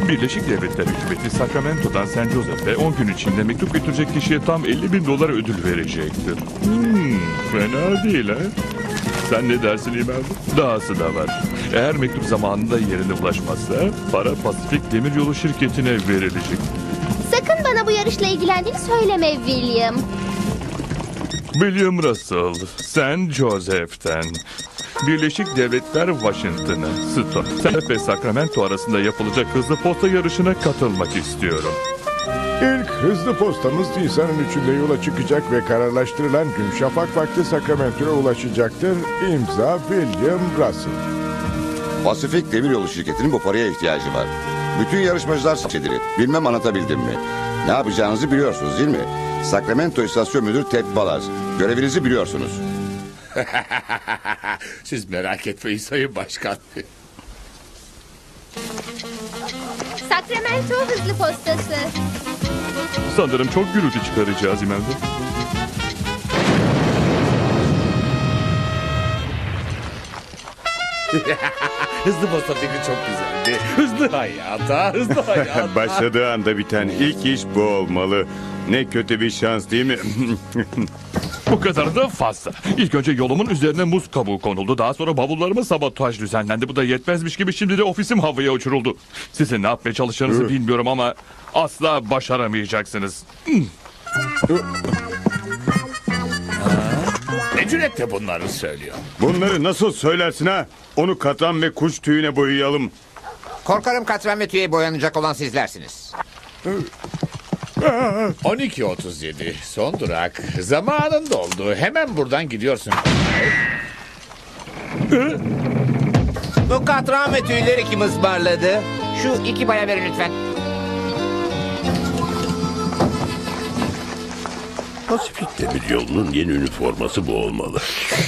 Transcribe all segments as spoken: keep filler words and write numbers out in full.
Birleşik Devletler Hükümeti Sacramento'dan San Jose'e on gün içinde mektup götürecek kişiye tam elli bin dolar ödül verecektir. Hmm, fena değil ha? Sen ne dersin İmam? Dahası da var. Eğer mektup zamanında yerine ulaşmazsa para Pasifik Demiryolu şirketine verilecek. Sakın bana bu yarışla ilgilendiğini söyleme William. William Russell, San Jose'den. Birleşik Devletler Washington'ı, Stone ve Sacramento arasında yapılacak hızlı posta yarışına katılmak istiyorum. İlk hızlı postamız Nisan'ın üçünde yola çıkacak ve kararlaştırılan gün şafak vakti Sacramento'ya ulaşacaktır. İmza William Russell. Pasifik Demiryolu şirketinin bu paraya ihtiyacı var. Bütün yarışmacılar seçilir. Bilmem anlatabildim mi? Ne yapacağınızı biliyorsunuz değil mi? Sacramento İstasyon Müdürü Ted Balaz. Görevinizi biliyorsunuz. Siz merak etmeyin Sayın Başkan. Sacramento hızlı postası. Sanırım çok gürültü çıkaracağız İmam. Hızlı posta fikri çok güzeldi. Hızlı hayata, hızlı hayata. Başladığı anda biten ilk iş bu olmalı. Ne kötü bir şans değil mi? Bu kadar da fazla. İlk önce yolumun üzerine muz kabuğu konuldu. Daha sonra bavullarıma sabotaj düzenlendi. Bu da yetmezmiş gibi şimdi de ofisim havaya uçuruldu. Sizin ne yapmaya çalışacağınızı bilmiyorum ama asla başaramayacaksınız. Ne cüretle bunları söylüyor. Bunları nasıl söylersin ha? Onu katran ve kuş tüyüne boyayalım. Korkarım katran ve tüye boyanacak olan sizlersiniz. on iki otuz yedi son durak. Zamanın doldu. Hemen buradan gidiyorsun. Bu katran ve tüyleri kim ısmarladı? Şu iki baya verin lütfen. Pasifik Demiryolu'nun yeni üniforması bu olmalı.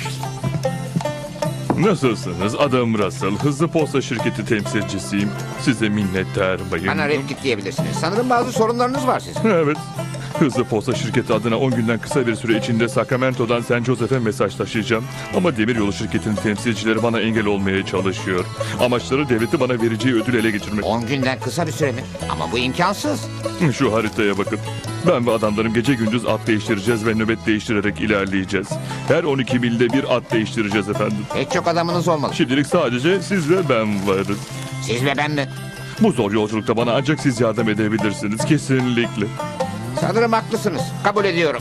Nasılsınız? Adım Russell. Hızlı posta şirketi temsilcisiyim. Size minnettar bayım. Bana red git diyebilirsiniz. Sanırım bazı sorunlarınız var sizin. Evet. Hızlı posta şirketi adına on günden kısa bir süre içinde Sacramento'dan San Jose'e mesaj taşıyacağım. Ama demiryolu şirketinin temsilcileri bana engel olmaya çalışıyor. Amaçları devleti bana vereceği ödül ele geçirmek. On günden kısa bir süre mi? Ama bu imkansız. Şu haritaya bakın. Ben ve adamlarım gece gündüz at değiştireceğiz ve nöbet değiştirerek ilerleyeceğiz. Her on iki milde bir at değiştireceğiz efendim. Pek çok adamınız olmalı. Şimdilik sadece siz ve ben varız. Siz ve ben mi? Bu zor yolculukta bana ancak siz yardım edebilirsiniz. Kesinlikle. Sanırım haklısınız. Kabul ediyorum.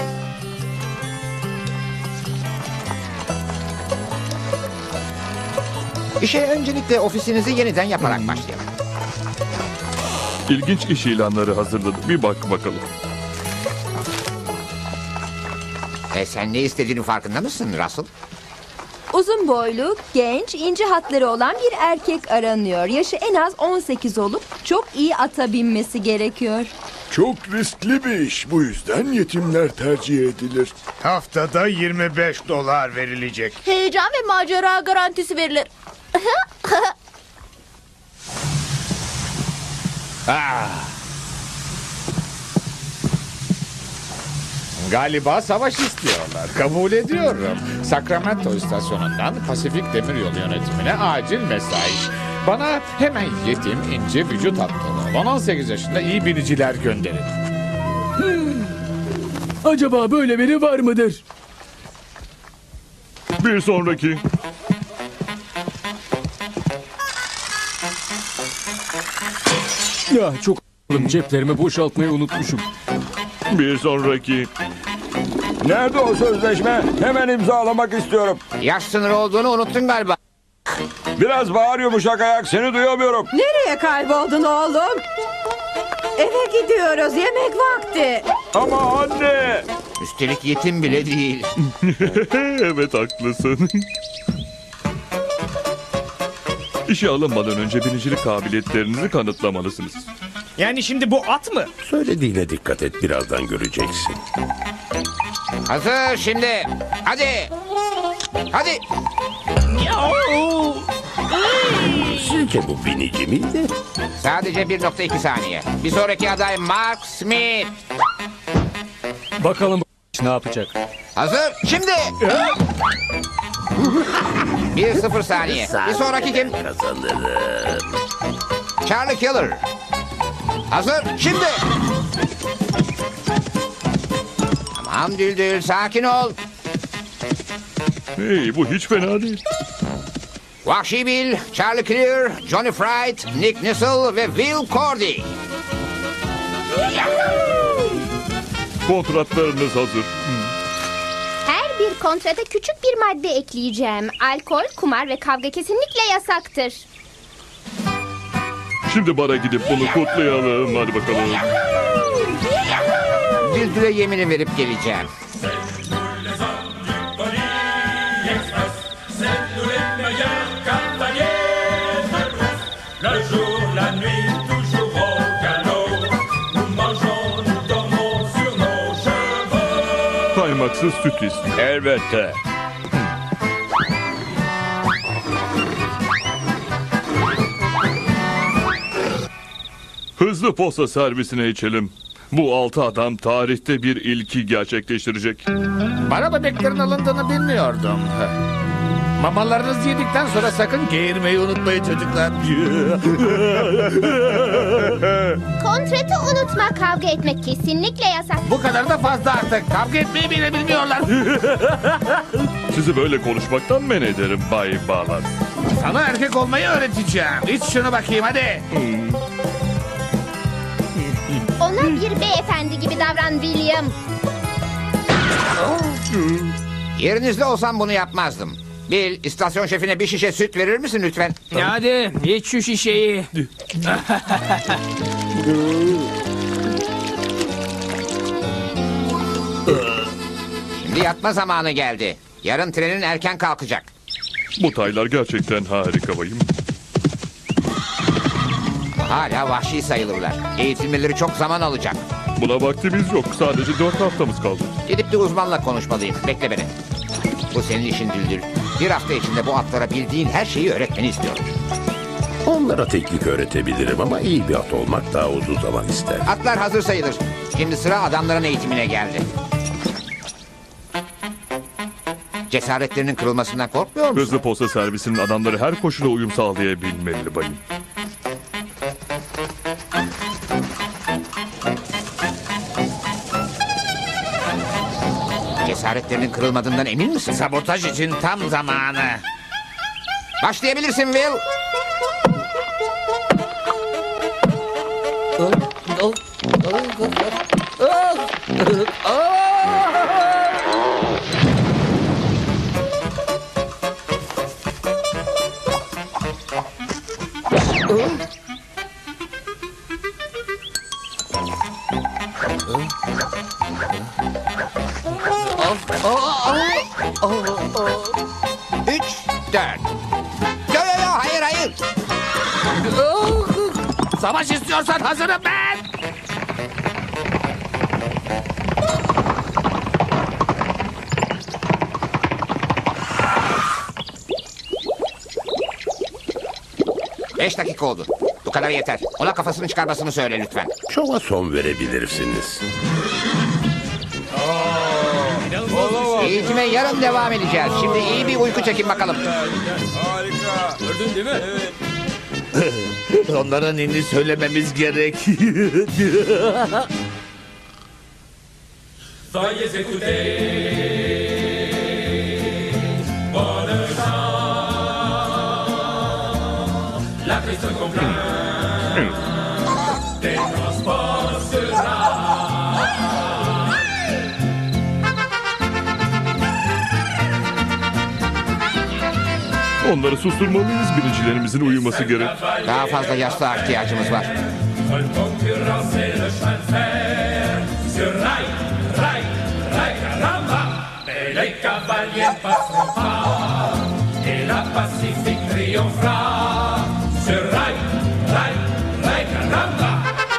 İşe öncelikle ofisinizi yeniden yaparak başlayalım. İlginç iş ilanları hazırladım. Bir bak bakalım. E sen ne istediğinin farkında mısın Russell? Uzun boylu, genç, ince hatları olan bir erkek aranıyor. Yaşı en az on sekiz olup çok iyi ata binmesi gerekiyor. Çok riskli bir iş. Bu yüzden yetimler tercih edilir. Haftada yirmi beş dolar verilecek. Heyecan ve macera garantisi verilir. Ah. Galiba savaş istiyorlar. Kabul ediyorum. Sacramento istasyonundan Pasifik Demiryolu yönetimine acil mesaj. Bana hemen yetim, ince vücut hattını olan on sekiz yaşında iyi biniciler gönderin. Acaba böyle biri var mıdır? Bir sonraki. Ya çok a**ım, ceplerimi boşaltmayı unutmuşum. Bir sonraki. Nerede o sözleşme? Hemen imzalamak istiyorum. Yaş sınırı olduğunu unuttun galiba. Biraz bağır yumuşak ayak, seni duyamıyorum. Nereye kayboldun oğlum? Eve gidiyoruz, yemek vakti. Ama anne. Üstelik yetim bile değil. Evet haklısın. İşe alınmadan önce binicilik kabiliyetlerinizi kanıtlamalısınız. Yani şimdi bu at mı? Söylediğine dikkat et, birazdan göreceksin. Hazır şimdi. Hadi. Hadi. Sizce bu binici miydi? Sadece bir nokta iki saniye. Bir sonraki aday Mark Smith. Bakalım bu ne yapacak? Hazır şimdi. Bir sıfır saniye. Bir sonraki kim? Kazanırım. Charlie Killer. Hazır, şimdi. Tamam Düldül, sakin ol. Hey, bu hiç fena değil. Vahşi Bill, Charlie Clear, Johnny Fright, Nick Nissel ve Will Cordy. Kontratlarınız hazır. Her bir kontrata küçük bir madde ekleyeceğim. Alkol, kumar ve kavga kesinlikle yasaktır. Şimdi bara gidip bunu kutlayalım. Hadi bakalım. Düldül'e yemini verip geleceğim. Kaymaksız süt istiyor. Elbette. Hızlı posta servisine içelim. Bu altı adam tarihte bir ilki gerçekleştirecek. Bana bebeklerin alındığını bilmiyordum. Mamalarınızı yedikten sonra sakın geğirmeyi unutmayın çocuklar. Kontratı unutma, kavga etmek kesinlikle yasak. Bu kadar da fazla artık. Kavga etmeyi bile bilmiyorlar. Sizi böyle konuşmaktan men ederim Bay Bağlar. Sana erkek olmayı öğreteceğim. İç şunu bakayım hadi. Ona bir beyefendi gibi davran William. Yerinizde olsam bunu yapmazdım. Bill, istasyon şefine bir şişe süt verir misin lütfen? Hadi iç şu şişeyi. Şimdi yatma zamanı geldi. Yarın trenin erken kalkacak. Bu taylar gerçekten harika bayım. Hala vahşi sayılırlar. Eğitilmeleri çok zaman alacak. Buna vaktimiz yok. Sadece dört haftamız kaldı. Gidip bir uzmanla konuşmalıyım. Bekle beni. Bu senin işin Düldül. Bir hafta içinde bu atlara bildiğin her şeyi öğretmeni istiyorum. Onlara teknik öğretebilirim ama iyi bir at olmak daha uzun zaman ister. Atlar hazır sayılır. Şimdi sıra adamların eğitimine geldi. Cesaretlerinin kırılmasından korkmuyor musun? Hızlı posta servisinin adamları her koşula uyum sağlayabilmeli bayım. Cesaretlerinin kırılmadığından emin misin? Sabotaj için tam zamanı. Başlayabilirsin Will. Üç, dört. Yo yo yo, hayır hayır. Savaş istiyorsan hazırım ben. Beş dakika oldu. Bu kadar yeter. Ona kafasını çıkarmasını söyle lütfen. Şova son verebilirsiniz. Eğitime yarın devam edeceğiz. Şimdi iyi bir uyku çekin bakalım. Onlara ninni söylememiz gerek. Veuillez écouter. Bonne chance. La piste complète. Des transports sera. Onları susturmalıyız. Binicilerimizin uyuması gerek. Daha fazla yastığa ihtiyacımız var. Seule concurrence et le chemin de fer. Sur rail, rail, rail, caramba. Et les cavaliers passeront pas. Et la Pacifique triomphera. Sur rail, rail, rail, caramba.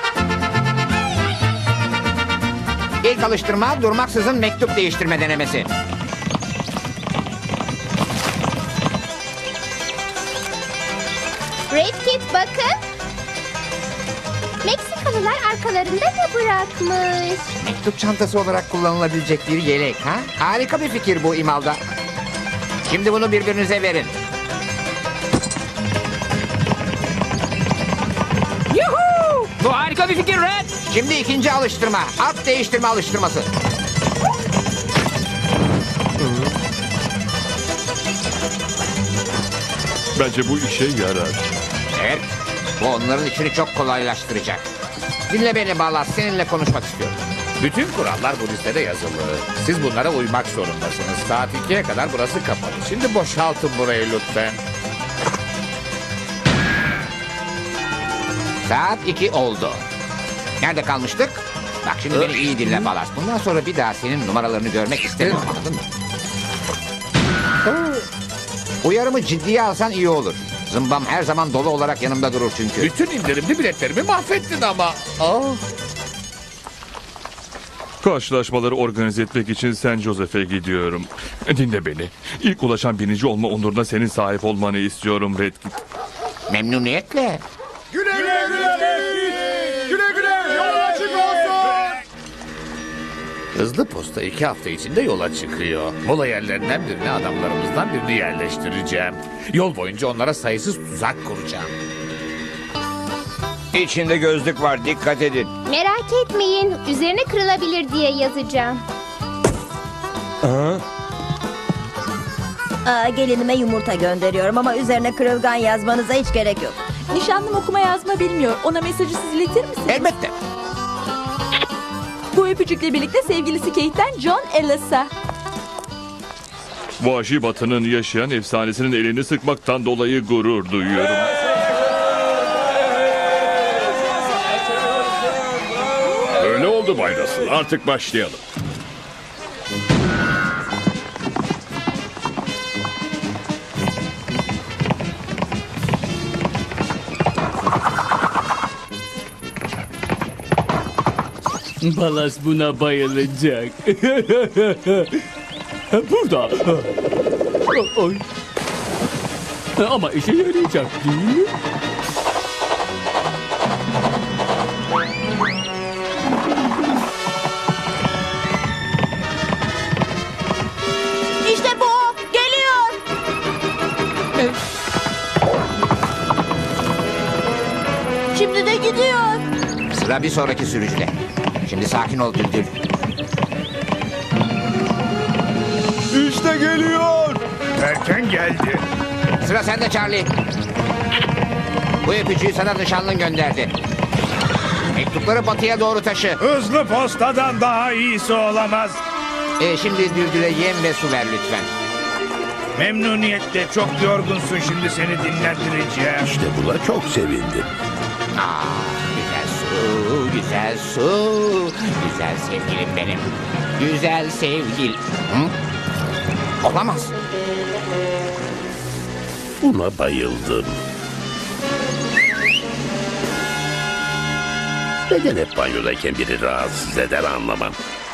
İlk alıştırma durmaksızın mektup değiştirme denemesi. Red Kit bakın. Meksikalılar arkalarında ne bırakmış? Mektup çantası olarak kullanılabilecek bir yelek ha? Harika bir fikir bu İmalda. Şimdi bunu birbirinize verin. Yuhu! Bu harika bir fikir Red. Şimdi ikinci alıştırma. At değiştirme alıştırması. Bence bu işe yarar. Evet. Bu onların işini çok kolaylaştıracak. Dinle beni Balas. Seninle konuşmak istiyorum. Bütün kurallar bu listede yazılı. Siz bunlara uymak zorundasınız. Saat ikiye kadar burası kapalı. Şimdi boşaltın burayı lütfen. Saat iki oldu. Nerede kalmıştık? Bak şimdi beni iyi dinle Balas. Bundan sonra bir daha senin numaralarını görmek istemiyorum, anladın mı? Uyarımı ciddiye alsan iyi olur. Zımbam her zaman dolu olarak yanımda durur çünkü. Bütün indirimli biletlerimi mahvettin ama. Ah. Karşılaşmaları organize etmek için Saint Joseph'e gidiyorum. Dinle beni. İlk ulaşan birinci olma onuruna senin sahip olmanı istiyorum Redkit. Memnuniyetle. Güle güle güle güle güle yol açık olsun. Hızlı posta iki hafta içinde yola çıkıyor. Mola yerlerinden birine adamlarımızdan birini yerleştireceğim. Yol boyunca onlara sayısız tuzak kuracağım. İçinde gözlük var, dikkat edin. Merak etmeyin. Üzerine kırılabilir diye yazacağım. Aa, gelinime yumurta gönderiyorum ama üzerine kırılgan yazmanıza hiç gerek yok. Nişanlım okuma yazma bilmiyor. Ona mesajı siz iletir misiniz? Elbette. Bu öpücükle birlikte sevgilisi Kate'den John Ellis'a. Vahşi Batı'nın yaşayan efsanesinin elini sıkmaktan dolayı gurur duyuyorum. Öyle oldu Bay Russell. Artık başlayalım. Balas buna bayılacak. Burada. Oy. Ama işe yarayacak değil mi? İşte bu o. Geliyor. Şimdi de gidiyor. Sıra bir sonraki sürücüde. Şimdi sakin ol Düldül. İşte geliyor. Erken geldi. Sıra sende Charlie. Bu öpücüğü sana nişanlın gönderdi. Mektupları batıya doğru taşı. Hızlı postadan daha iyisi olamaz. Ee, şimdi Düldül'e yem ve su ver lütfen. Memnuniyetle, çok yorgunsun, şimdi seni dinlendireceğim. İşte buna çok sevindim. Aa, güzel su, güzel su. Güzel sevgilim benim. Güzel sevgil. Hı? Olamaz. Buna bayıldım. Neden hep banyodayken biri rahatsız eder anlamam.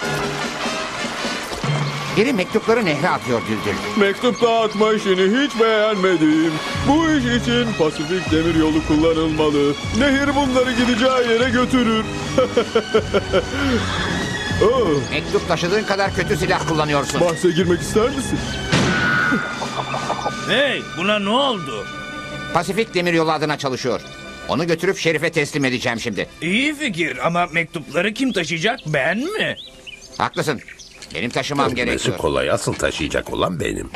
Biri mektupları nehre atıyor Düldül. Mektup dağıtma işini hiç beğenmedim. Bu iş için Pasifik Demiryolu kullanılmalı. Nehir bunları gideceği yere götürür. Oh, Mektup taşıdığın kadar kötü silah kullanıyorsun. bahse girmek ister misin? Hey, buna ne oldu? Pasifik Demiryolu adına çalışıyor. Onu götürüp Şerif'e teslim edeceğim şimdi. İyi fikir ama mektupları kim taşıyacak, ben mi? Haklısın. Benim taşımam Dökmesi gerekiyor. kolay, asıl taşıyacak olan benim.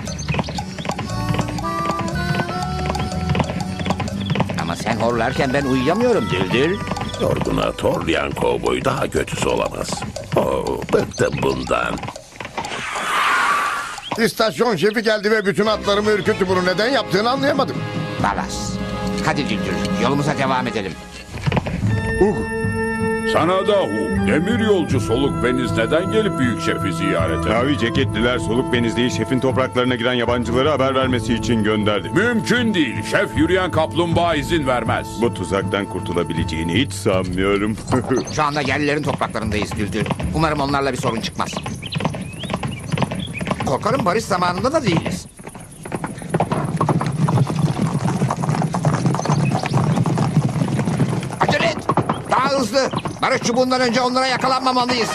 Ama sen horlarken ben uyuyamıyorum Düldül. Yorguna torlayan kovboy daha kötüsü olamaz. Oh, bıktım bundan. İstasyon şefi geldi ve bütün atlarımı ürküttü. Bunu neden yaptığını anlayamadım. Balas. Hadi Düldül, yolumuza devam edelim. Sana da Hu. Demir yolcu Soluk Beniz neden gelip büyük şefi ziyarete? Mavi ceketliler Soluk Benizli'yi şefin topraklarına giren yabancılara haber vermesi için gönderdi. Mümkün değil. Şef yürüyen kaplumbağa izin vermez. Bu tuzaktan kurtulabileceğini hiç sanmıyorum. Şu anda yerlilerin topraklarındayız Düldül. Umarım onlarla bir sorun çıkmaz. Korkarım barış zamanında da değiliz. Acele et! Daha hızlı! Barış çubuğundan önce onlara yakalanmamalıyız.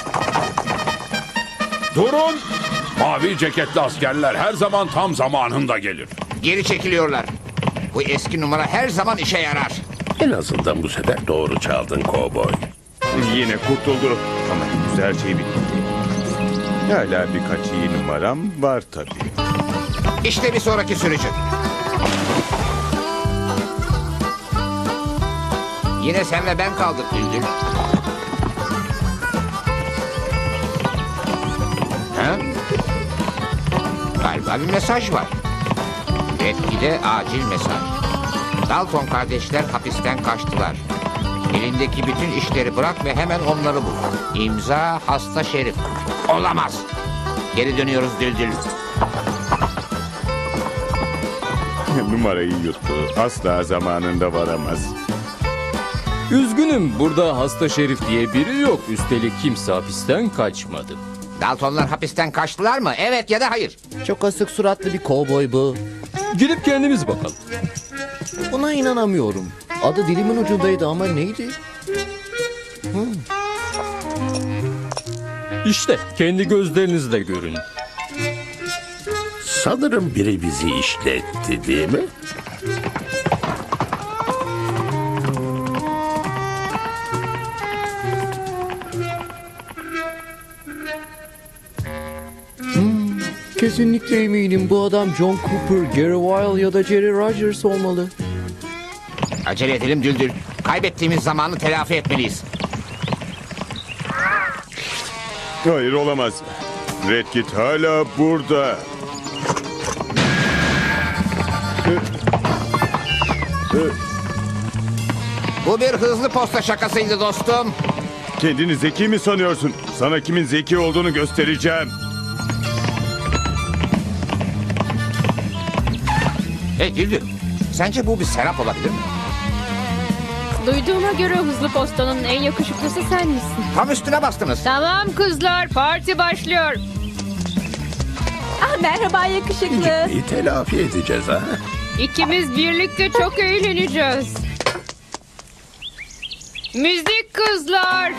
Durun! Mavi ceketli askerler her zaman tam zamanında gelir. Geri çekiliyorlar. Bu eski numara her zaman işe yarar. En azından bu sefer doğru çaldın kovboy. Yine kurtuldu. Ama henüz her şey bitmedi. Hala birkaç iyi numaram var tabii. İşte bir sonraki sürücü. Yine sen ve ben kaldık Düldül. Ha? Galiba bir mesaj var. Redkit'e acil mesaj. Dalton kardeşler hapisten kaçtılar. Elindeki bütün işleri bırak ve hemen onları bul. İmza hasta şerif. Olamaz. Geri dönüyoruz Düldül. Numarayı yuttu. Asla zamanında varamaz. Üzgünüm, burada hasta şerif diye biri yok. Üstelik kimse hapisten kaçmadı. Daltonlar hapisten kaçtılar mı? Evet ya da hayır. Çok asık suratlı bir kovboy bu. Gidip kendimiz bakalım. Buna inanamıyorum. Adı dilimin ucundaydı ama neydi? Hmm. İşte kendi gözlerinizle görün. Sanırım biri bizi işletti, değil mi? Hmm, kesinlikle eminim bu adam John Cooper, Gary Weil ya da Jerry Rogers olmalı. Acele edelim Düldül. Kaybettiğimiz zamanı telafi etmeliyiz. Hayır olamaz. Redkit hala burada. Bu bir hızlı posta şakasıydı dostum. Kendini zeki mi sanıyorsun? Sana kimin zeki olduğunu göstereceğim. Hey Düldül. Sence bu bir serap olabilir mi? Duyduğuma göre hızlı postanın en yakışıklısı sen misin? Tam üstüne bastınız. Tamam kızlar, parti başlıyor. Ah, merhaba yakışıklı. Gitmeyi telafi edeceğiz ha. İkimiz birlikte çok eğleneceğiz. Müzik kızlar.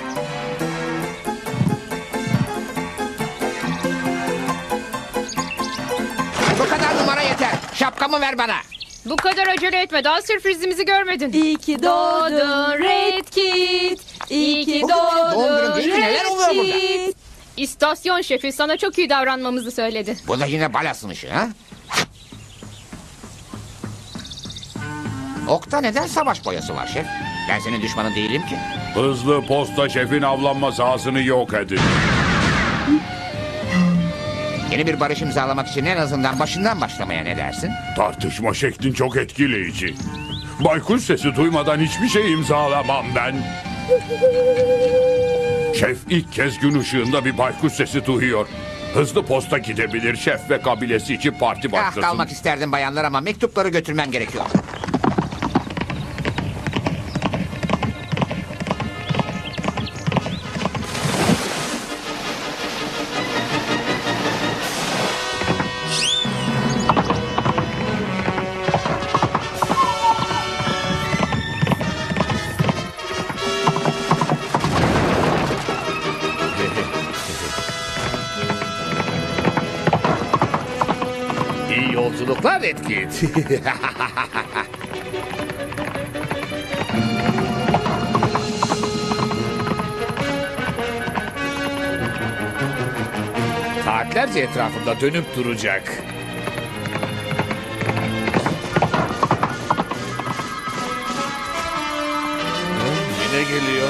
Bu kadar numara yeter. Şapkamı ver bana. Bu kadar acele etme. Daha sürprizimizi görmedin. İyi ki doğdun Redkit. İyi ki Bugün benim doğum günüm doğdun değil ki. Neler oluyor burada? Redkit. İstasyon şefi sana çok iyi davranmamızı söyledi. Bu da yine balasın işi ha? Okta neden savaş boyası var şef? Ben senin düşmanın değilim ki. Hızlı posta şefin avlanma sahasını yok edin. Yeni bir barış imzalamak için en azından başından başlamaya ne dersin? Tartışma şeklin çok etkileyici. Baykuş sesi duymadan hiçbir şey imzalamam ben. Şef ilk kez gün ışığında bir baykuş sesi duyuyor. Hızlı posta gidebilir, şef ve kabilesi için parti Ah başlasın. kalmak isterdim bayanlar ama mektupları götürmem gerekiyor. İyi yolculuklar Redkit. Saatlerce etrafında dönüp duracak. Yine geliyor.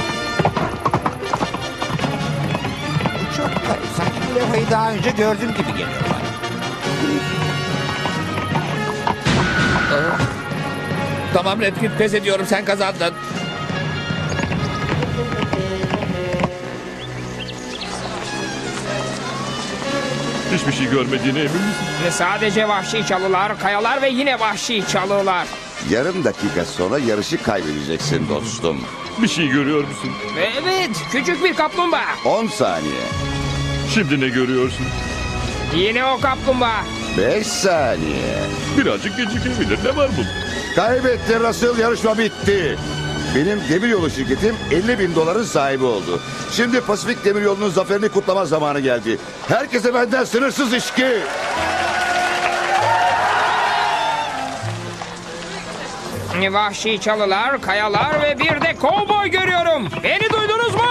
Bu çok garip. Sanki bu levhayı daha önce gördüm gibi geliyor bana. Aa, Tamam Redkit, pes ediyorum, sen kazandın. Hiçbir şey görmediğine emin misin? Ve sadece vahşi çalılar, kayalar ve yine vahşi çalılar. Yarım dakika sonra yarışı kaybedeceksin dostum. Bir şey görüyor musun? Evet, küçük bir kaplumbağa. on saniye. Şimdi ne görüyorsun? Yine o kaplumbağa. beş saniye. Birazcık gecikebilir. Ne var bu? Kaybetti Russell, yarışma bitti. Benim demiryolu şirketim elli bin doların sahibi oldu. Şimdi Pasifik Demiryolu'nun zaferini kutlama zamanı geldi. Herkese benden sınırsız içki. Vahşi çalılar, kayalar ve bir de kovboy görüyorum. Beni duydunuz mu?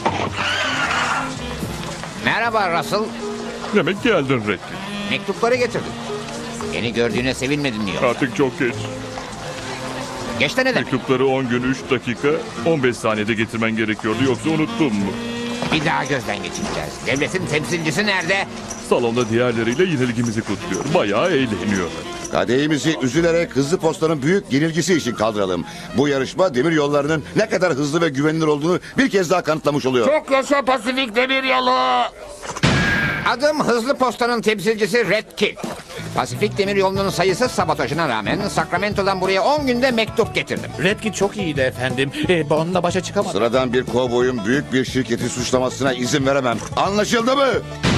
Merhaba Russell. Demek geldin Redkit. Mektupları getirdim. Beni gördüğüne sevinmedin mi yoksa? Artık çok geç. Geç de ne demek? Mektupları on gün üç dakika on beş saniyede getirmen gerekiyordu, yoksa unuttun mu? Bir daha gözden geçireceğiz. Devletin temsilcisi nerede? Salonda diğerleriyle yenilgimizi kutluyor. Bayağı eğleniyorlar. Kadehimizi üzülerek hızlı postanın büyük yenilgisi için kaldıralım. Bu yarışma demir yollarının ne kadar hızlı ve güvenilir olduğunu bir kez daha kanıtlamış oluyor. Çok yaşa Pasifik Demiryolu. Adım Hızlı Posta'nın temsilcisi Red Kit. Pasifik Demiryolu'nun sayısız sabotajına rağmen Sacramento'dan buraya on günde mektup getirdim. Redkit çok iyiydi efendim. Ee, onunla başa çıkamadım. Sıradan bir kovboyun büyük bir şirketi suçlamasına izin veremem. Anlaşıldı mı?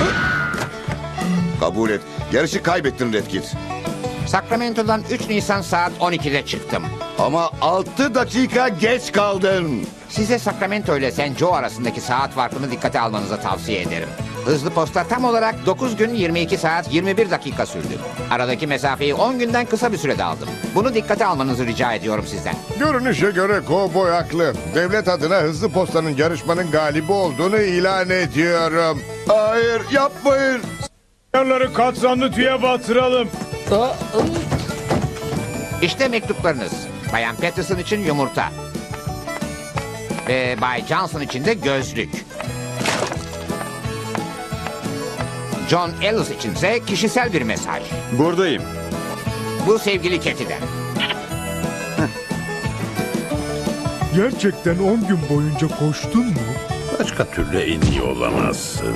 Kabul et. Yarışı kaybettin Redkit. Sacramento'dan üç Nisan saat on ikide çıktım. Ama altı dakika geç kaldın. Size Sacramento ile Saint Joe arasındaki saat farkını dikkate almanızı tavsiye ederim. Hızlı posta tam olarak dokuz gün yirmi iki saat yirmi bir dakika sürdü. Aradaki mesafeyi on günden kısa bir sürede aldım. Bunu dikkate almanızı rica ediyorum sizden. Görünüşe göre kovboy haklı. Devlet adına hızlı postanın yarışmanın galibi olduğunu ilan ediyorum. Hayır, yapmayın. Yarları katranlı tüye batıralım. İşte mektuplarınız. Bayan Patterson için yumurta. Ve Bay Johnson için de gözlük. John Ellis içinse kişisel bir mesaj. Buradayım. Bu sevgili Keti'den. Gerçekten on gün boyunca koştun mu? Başka türlü en iyi olamazsın.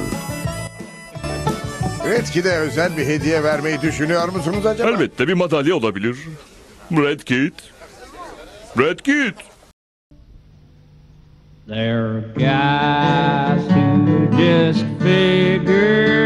Redkit'e özel bir hediye vermeyi düşünüyor musunuz acaba? Elbette bir madalya olabilir. Redkit. Redkit. There are guys who just figure